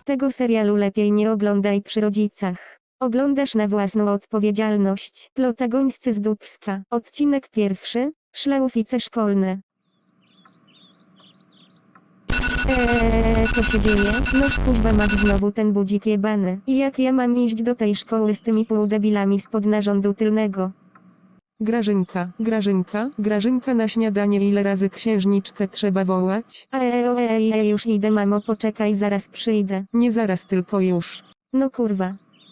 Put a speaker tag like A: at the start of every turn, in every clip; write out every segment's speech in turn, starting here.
A: Tego serialu lepiej nie oglądaj przy rodzicach. Oglądasz na własną odpowiedzialność. Protagonisty z Dubska. Odcinek 1. Szlaufice szkolne. Co się dzieje? Noż kuźwa mać znowu ten budzik jebany. I jak ja mam iść do tej szkoły z tymi półdebilami spod narządu tylnego?
B: Grażynka na śniadanie, ile razy księżniczkę trzeba wołać?
A: Już idę, mamo, poczekaj, zaraz przyjdę.
B: Nie zaraz, tylko już.
A: No kurwa.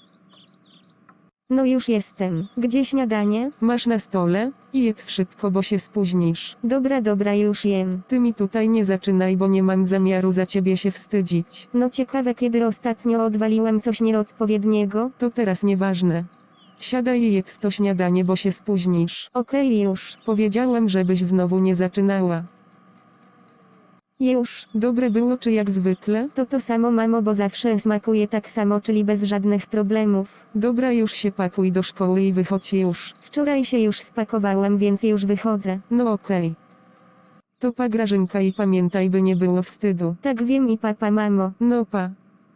A: No już jestem. Gdzie śniadanie?
B: Masz na stole? I jedz szybko, bo się spóźnisz.
A: Dobra, już jem.
B: Ty mi tutaj nie zaczynaj, bo nie mam zamiaru za ciebie się wstydzić.
A: No ciekawe, kiedy ostatnio odwaliłem coś nieodpowiedniego?
B: To teraz nieważne. Siadaj i jedz to śniadanie, bo się spóźnisz.
A: Okej, już.
B: Powiedziałem, żebyś znowu nie zaczynała.
A: Już.
B: Dobre było czy jak zwykle?
A: To samo, mamo, bo zawsze smakuje tak samo, czyli bez żadnych problemów.
B: Dobra, już się pakuj do szkoły i wychodź już.
A: Wczoraj się już spakowałem, więc już wychodzę.
B: No okej. To pa, Grażynka, i pamiętaj, by nie było wstydu.
A: Tak wiem i papa, mamo.
B: No pa.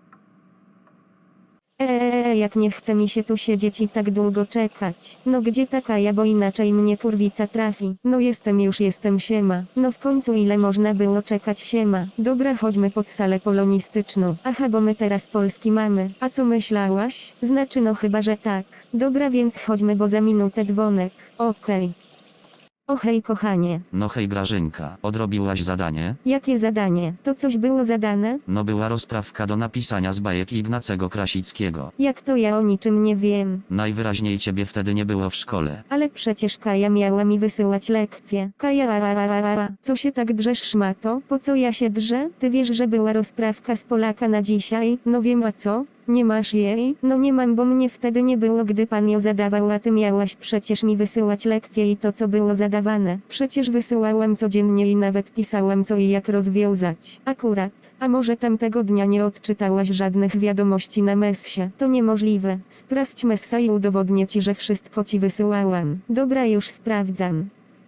A: Jak nie chce mi się tu siedzieć i tak długo czekać. No gdzie taka ja, bo inaczej mnie kurwica trafi.
B: No jestem, siema.
A: No w końcu ile można było czekać, siema.
B: Dobra, chodźmy pod salę polonistyczną.
A: Aha, bo my teraz polski mamy.
B: A co myślałaś?
A: Znaczy no chyba, że tak. Dobra, więc chodźmy, bo za minutę dzwonek.
B: Okej.
A: O hej, kochanie.
C: No hej Grażynka, odrobiłaś zadanie?
A: Jakie zadanie? To coś było zadane?
C: No była rozprawka do napisania z bajek Ignacego Krasickiego.
A: Jak to ja o niczym nie wiem?
C: Najwyraźniej ciebie wtedy nie było w szkole.
A: Ale przecież Kaja miała mi wysyłać lekcje. Kaja.
B: Co się tak drzesz, szmato?
A: Po co ja się drżę? Ty wiesz, że była rozprawka z Polaka na dzisiaj?
B: No wiem, a co? Nie masz jej?
A: No nie mam, bo mnie wtedy nie było, gdy pan ją zadawał, a ty miałaś przecież mi wysyłać lekcje i to, co było zadawane.
B: Przecież wysyłałem codziennie i nawet pisałem, co i jak rozwiązać.
A: Akurat.
B: A może tamtego dnia nie odczytałaś żadnych wiadomości na messie?
A: To niemożliwe.
B: Sprawdź messa i udowodnię ci, że wszystko ci wysyłałam.
A: Dobra, już sprawdzam.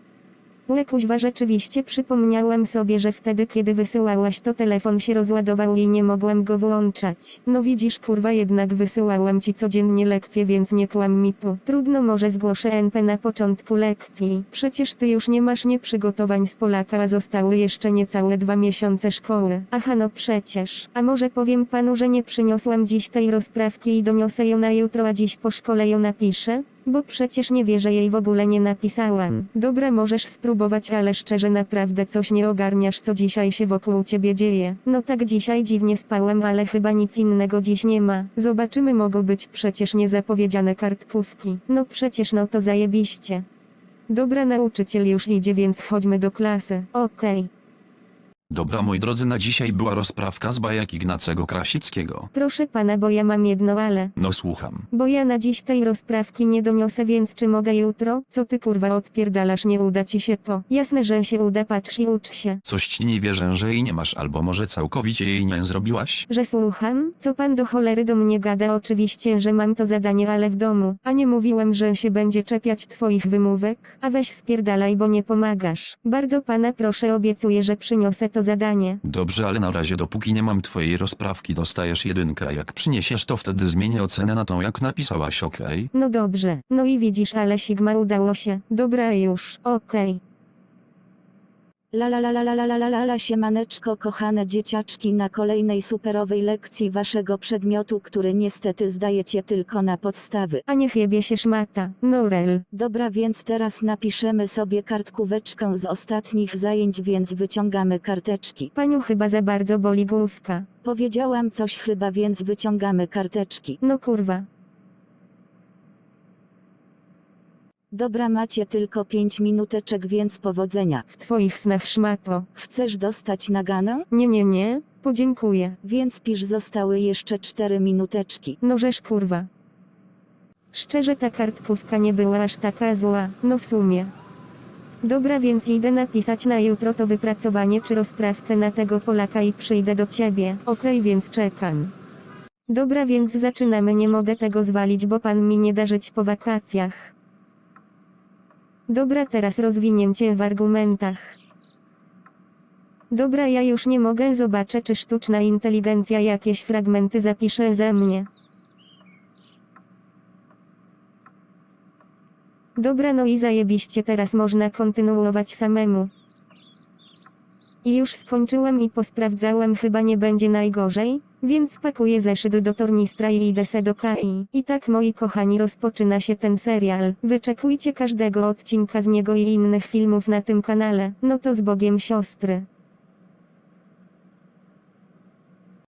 A: Kuźwa, rzeczywiście przypomniałam sobie, że wtedy kiedy wysyłałaś, to telefon się rozładował i nie mogłam go włączać.
B: No widzisz, kurwa, jednak wysyłałam ci codziennie lekcje, więc nie kłam mi tu.
A: Trudno, może zgłoszę NP na początku lekcji.
B: Przecież ty już nie masz przygotowań z Polaka, a zostały jeszcze niecałe 2 miesiące szkoły.
A: Aha, no przecież. A może powiem panu, że nie przyniosłam dziś tej rozprawki i doniosę ją na jutro, a dziś po szkole ją napiszę? Bo przecież nie wie, że jej w ogóle nie napisałam.
B: Dobra, możesz spróbować, ale szczerze naprawdę coś nie ogarniasz, co dzisiaj się wokół ciebie dzieje.
A: No tak, dzisiaj dziwnie spałem, ale chyba nic innego dziś nie ma.
B: Zobaczymy, mogą być przecież niezapowiedziane kartkówki.
A: No przecież, no to zajebiście.
B: Dobra, nauczyciel już idzie, więc chodźmy do klasy.
A: Okej.
D: Dobra, moi drodzy, na dzisiaj była rozprawka z bajek Ignacego Krasickiego.
A: Proszę pana, bo ja mam jedno ale.
D: No słucham.
A: Bo ja na dziś tej rozprawki nie doniosę, więc czy mogę jutro?
B: Co ty kurwa odpierdalasz, nie uda ci się to.
A: Jasne, że się uda, patrz i ucz się.
D: Coś ci nie wierzę, że jej nie masz, albo może całkowicie jej nie zrobiłaś?
A: Że słucham? Co pan do cholery do mnie gada? Oczywiście, że mam to zadanie, ale w domu.
B: A nie mówiłem, że się będzie czepiać twoich wymówek?
A: A weź spierdalaj, bo nie pomagasz. Bardzo pana proszę, obiecuję, że przyniosę to zadanie.
D: Dobrze, ale na razie dopóki nie mam twojej rozprawki, dostajesz 1, a jak przyniesiesz, to wtedy zmienię ocenę na tą, jak napisałaś, okej?
A: No dobrze. No i widzisz, ale Sigma, udało się.
B: Dobra, już.
A: Okej.
E: Siemaneczko, kochane dzieciaczki, na kolejnej superowej lekcji waszego przedmiotu, który niestety zdajecie tylko na podstawy.
A: A niech jebie się szmata.
B: Norel.
E: Dobra, więc teraz napiszemy sobie kartkóweczkę z ostatnich zajęć, więc wyciągamy karteczki.
A: Paniu chyba za bardzo boli główka.
E: Powiedziałam coś chyba, więc wyciągamy karteczki.
A: No kurwa.
E: Dobra, macie tylko 5 minuteczek, więc powodzenia.
B: W twoich snach, szmato.
E: Chcesz dostać naganę?
B: Nie. Podziękuję.
E: Więc pisz, zostały jeszcze 4 minuteczki.
B: No żeż kurwa.
A: Szczerze, ta kartkówka nie była aż taka zła.
B: No w sumie.
A: Dobra, więc idę napisać na jutro to wypracowanie czy rozprawkę na tego Polaka i przyjdę do ciebie.
B: Okej, więc czekam.
A: Dobra, więc zaczynamy. Nie mogę tego zwalić, bo pan mi nie da żyć po wakacjach. Dobra, teraz rozwinięcie w argumentach. Dobra, ja już nie mogę, zobaczę czy sztuczna inteligencja jakieś fragmenty zapisze ze mnie. Dobra, no i zajebiście, teraz można kontynuować samemu. I już skończyłem i posprawdzałem, chyba nie będzie najgorzej, więc pakuję zeszyt do tornistra i idę se do KI. I tak, moi kochani, rozpoczyna się ten serial. Wyczekujcie każdego odcinka z niego i innych filmów na tym kanale. No to z Bogiem, siostry.